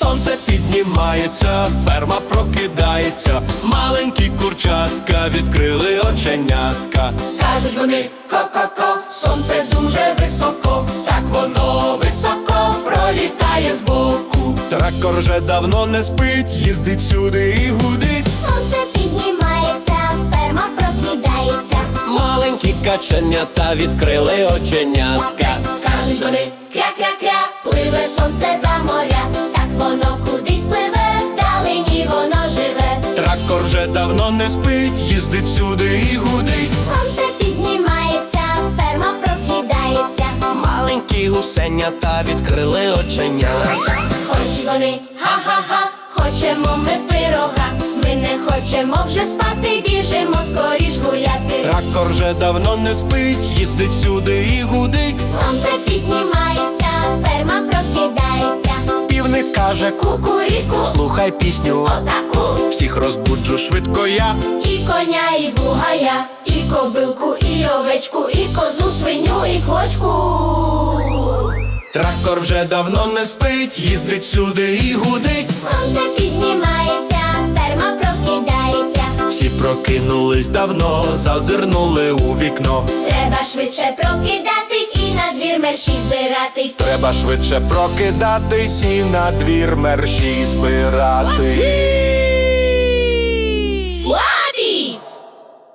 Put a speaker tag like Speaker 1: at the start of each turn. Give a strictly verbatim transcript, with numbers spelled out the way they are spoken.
Speaker 1: Сонце піднімається, ферма прокидається, маленькі курчатка відкрили оченятка.
Speaker 2: Кажуть вони ко-ко-ко, сонце дуже високо, так воно високо пролітає збоку.
Speaker 1: Трактор вже давно не спить, їздить сюди і гудить.
Speaker 3: Сонце піднімається, ферма прокидається.
Speaker 1: Маленькі каченята відкрили оченятка.
Speaker 2: Кажуть вони кря-кря-кря, пливе сонце за моря, так воно кудись пливе, вдалині воно живе.
Speaker 1: Трактор вже давно не спить, їздить сюди і гудить.
Speaker 3: Сонце піднімається, ферма прокидається.
Speaker 1: Маленькі гусенята відкрили оченятка.
Speaker 2: Хочуть вони ха-ха-ха, хочемо ми пирога, ми не хочемо вже спати, біжимо скоріш гуляти.
Speaker 1: Трактор вже давно не спить, їздить сюди і гудить.
Speaker 3: Сонце піднімається, ферма прокидається.
Speaker 1: Півник каже
Speaker 2: Кукуріку,
Speaker 1: слухай пісню,
Speaker 2: отаку.
Speaker 1: всіх розбуджу швидко я.
Speaker 2: І коня, і бугая, і кобилку, і овечку, і козу, свиню, і квочку.
Speaker 1: Трактор вже давно не спить, їздить сюди і гудить.
Speaker 3: Сонце піднімається, ферма прокидається.
Speaker 1: Всі прокинулись давно, зазирнули у вікно.
Speaker 2: Треба швидше прокидатись і на двір мерщій збиратись.
Speaker 1: Треба швидше прокидатись і на двір мерщій збирати.